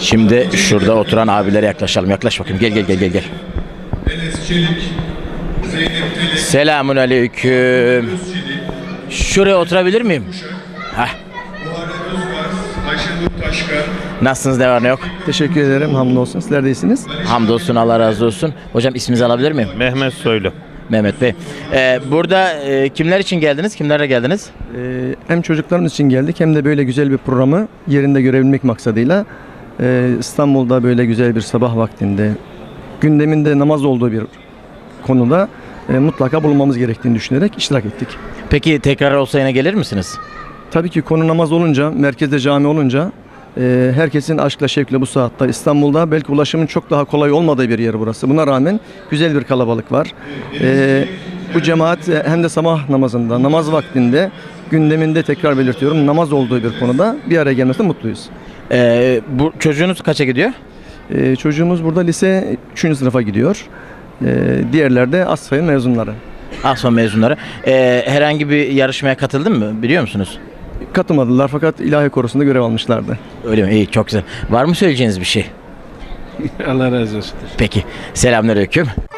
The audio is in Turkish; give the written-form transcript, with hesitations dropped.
Şimdi şurada oturan abilere yaklaşalım. Yaklaş bakayım. Gel. Enes Çelik, Zeynep Telek, Selamun aleyküm. Şuraya oturabilir miyim? Heh. Muharrem Özgars, Ayşenur Taşkar, Nasılsınız, ne var ne yok? Teşekkür ederim. Hamdolsun. Sizler de iyisiniz. Hamdolsun, Allah razı olsun. Hocam isminizi alabilir miyim? Mehmet Soylu. Mehmet Bey. Burada kimler için geldiniz? Kimlerle geldiniz? Hem çocuklarımız için geldik hem de böyle güzel bir programı yerinde görebilmek maksadıyla İstanbul'da böyle güzel bir sabah vaktinde gündeminde namaz olduğu bir konuda mutlaka bulunmamız gerektiğini düşünerek iştirak ettik. Peki tekrar olsa yine gelir misiniz? Tabii ki konu namaz olunca, merkezde cami olunca herkesin aşkla şevkle bu saatte İstanbul'da belki ulaşımın çok daha kolay olmadığı bir yer burası. Buna rağmen güzel bir kalabalık var. Bu cemaat hem de sabah namazında, namaz vaktinde gündeminde tekrar belirtiyorum namaz olduğu bir konuda bir araya gelmesine mutluyuz. Bu çocuğunuz kaça gidiyor? Çocuğumuz burada lise 3. sınıfa gidiyor. Diğerler de Asfay'ın mezunları. Asma mezunları. Herhangi bir yarışmaya katıldın mı? Biliyor musunuz? Katılmadılar fakat ilahi korusunda görev almışlardı. Öyle mi? İyi, çok güzel. Var mı söyleyeceğiniz bir şey? Allah razı olsun. Peki. Selamünaleyküm.